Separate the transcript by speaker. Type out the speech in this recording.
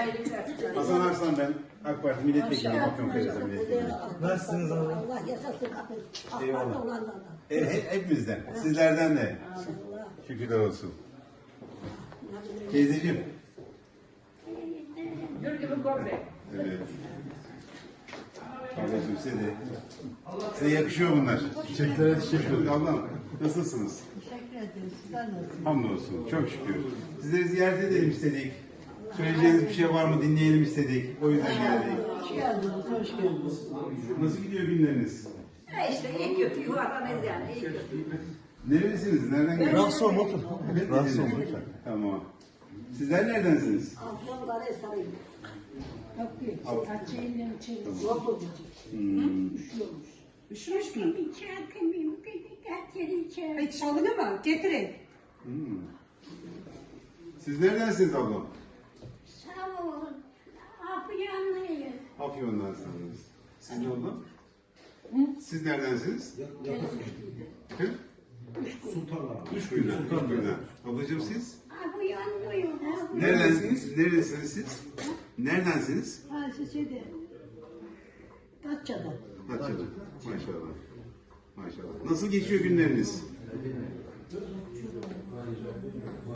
Speaker 1: Hasan Arslan ben. AK Parti milletvekili, Afyonkarahisar milletvekili.
Speaker 2: Nasılsınız abi?
Speaker 3: Allah yaşasın kapı.
Speaker 1: Eyvallah.
Speaker 3: Akbar'da olanlardan.
Speaker 1: Hepimizden, sizlerden de.
Speaker 3: İnşallah.
Speaker 1: Şükürler olsun. Teyzeciğim. Evet. Ablacığım size yakışıyor bunlar. Teşekkür ederim. Ablam nasılsınız?
Speaker 3: Teşekkür ederim. Sizler nasılsınız?
Speaker 1: Hamdolsun. Çok şükür. Sizleri ziyaret edelim istedik. Söyleyeceğiniz bir şey var mı dinleyelim istedik. O yüzden geldik.
Speaker 3: Hoş geldiniz, hoş geldiniz.
Speaker 1: Nasıl gidiyor günleriniz?
Speaker 4: İşte iyi kötü yuvarlanırız yani iyi kötü.
Speaker 1: Nerelisiniz? Nereden geliyorsunuz?
Speaker 2: Rahatsız olma otur. Rahatsız olma lütfen.
Speaker 1: Tamam. Sizler neredensiniz?
Speaker 3: Afyonları sarayım. Yok değil. Açayım, içerim.
Speaker 1: Tamam.
Speaker 3: Yok olacak.
Speaker 1: Hmm.
Speaker 3: Üşüyormuş.
Speaker 5: Üşümüş mü? Hiç çalını mı? Getirin.
Speaker 1: Hmm. Siz neredensiniz ablam?
Speaker 4: Sağ olun. Afyanlıyız.
Speaker 1: Afyon'dansınız. Siz ne oldu? Siz neredensiniz? Hı? Uşkuyu'dan. Uşkuyu'dan. Ablacığım siz?
Speaker 4: Afyanlıyız.
Speaker 1: Neredensiniz? Neredesiniz siz? Neredensiniz?
Speaker 3: Ha, şeyde. Datça'da.
Speaker 1: Datça'da. Maşallah. Maşallah. Nasıl geçiyor günleriniz?